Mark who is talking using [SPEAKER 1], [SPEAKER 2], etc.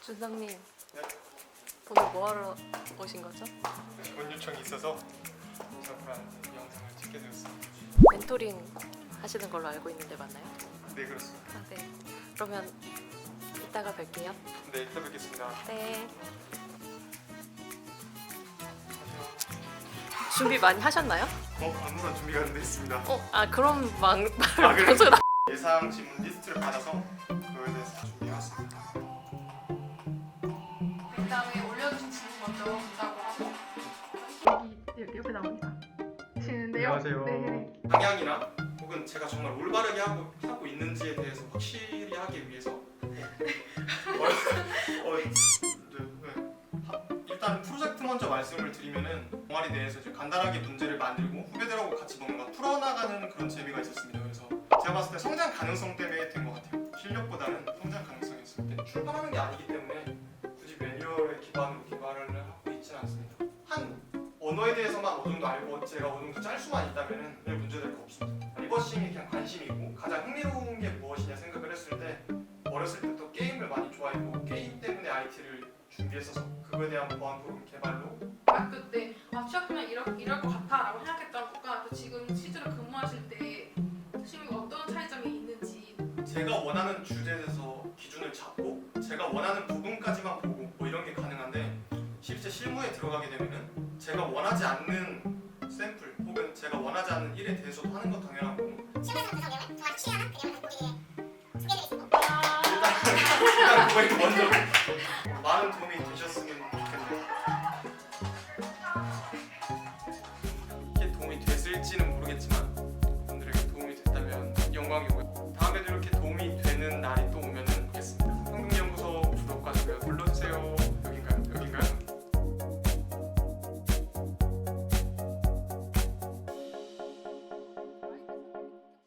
[SPEAKER 1] 준상님,
[SPEAKER 2] 네?
[SPEAKER 1] 오늘 뭐 하러 오신 거죠?
[SPEAKER 2] 본 요청이 있어서 잠깐 영상을 찍게 되었습니다.
[SPEAKER 1] 멘토링 하시는 걸로 알고 있는데 맞나요?
[SPEAKER 2] 네, 그렇습니다.
[SPEAKER 1] 아, 네. 그러면 이따가 뵐게요.
[SPEAKER 2] 네, 이따 뵙겠습니다.
[SPEAKER 1] 네. 준비 많이 하셨나요?
[SPEAKER 2] 아무런 준비가 안 돼 있습니다.
[SPEAKER 1] 그럼
[SPEAKER 2] 그래요?
[SPEAKER 1] 방송 나.
[SPEAKER 2] 예상 질문 리스트를 받아서 그거에 대해서 다 준비해왔습니다.
[SPEAKER 3] 그다음에 올려주신 질문 먼저 본다고 하고 여기 옆에 나오니까 지는데요.
[SPEAKER 2] 안녕하세요.
[SPEAKER 3] 네.
[SPEAKER 2] 방향이나 혹은 제가 정말 올바르게 하고 있는지에 대해서 확실히 하기 위해서 일단 프로젝트 먼저 말씀을 드리면은 동아리 내에서 이제 간단하게 문제를 만들고 후배들하고 같이 뭔가 풀어나가는 그런 재미가 있었습니다. 그래서 제가 봤을 때 성장 가능성 때문에 된 것 같아요. 실력보다는 성장 가능성이 있을 때 출발하는 게 아니기 때문에 굳이 매뉴얼에 기반으로 개발을 하고 있지는 않습니다. 한 언어에 대해서만 어느 정도 알고 제가 어느 정도 짤 수만 있다면은 별 문제될 거 없습니다. 리버싱이 그냥 관심이고 가장 흥미로운 게 무엇이냐 생각을 했을 때 어렸을 때부터 게임을 많이 좋아했고 게임 때문에 IT를 준비했어서 그거에 대한 보안 프로그램 개발로
[SPEAKER 3] 그때 취업하면 이럴 것 같아라고 생각했던 것과 또 지금 실제로 근무하실 때 실무 어떤 차이점이 있는지
[SPEAKER 2] 제가 원하는 주제에 대해서 기준을 잡고 제가 원하는 부분까지만 보고 뭐 이런 게 가능한데 실제 실무에 들어가게 되면은 제가 원하지 않는 샘플 혹은 제가 원하지 않는 일에 대해서도 하는 건 당연하고
[SPEAKER 4] 실무에서 구성 내용은 정말 취하는 그 내용을 보기에 소개해드리겠습니다.
[SPEAKER 2] 일단 그거에 먼저 많은 도움이 되셨으면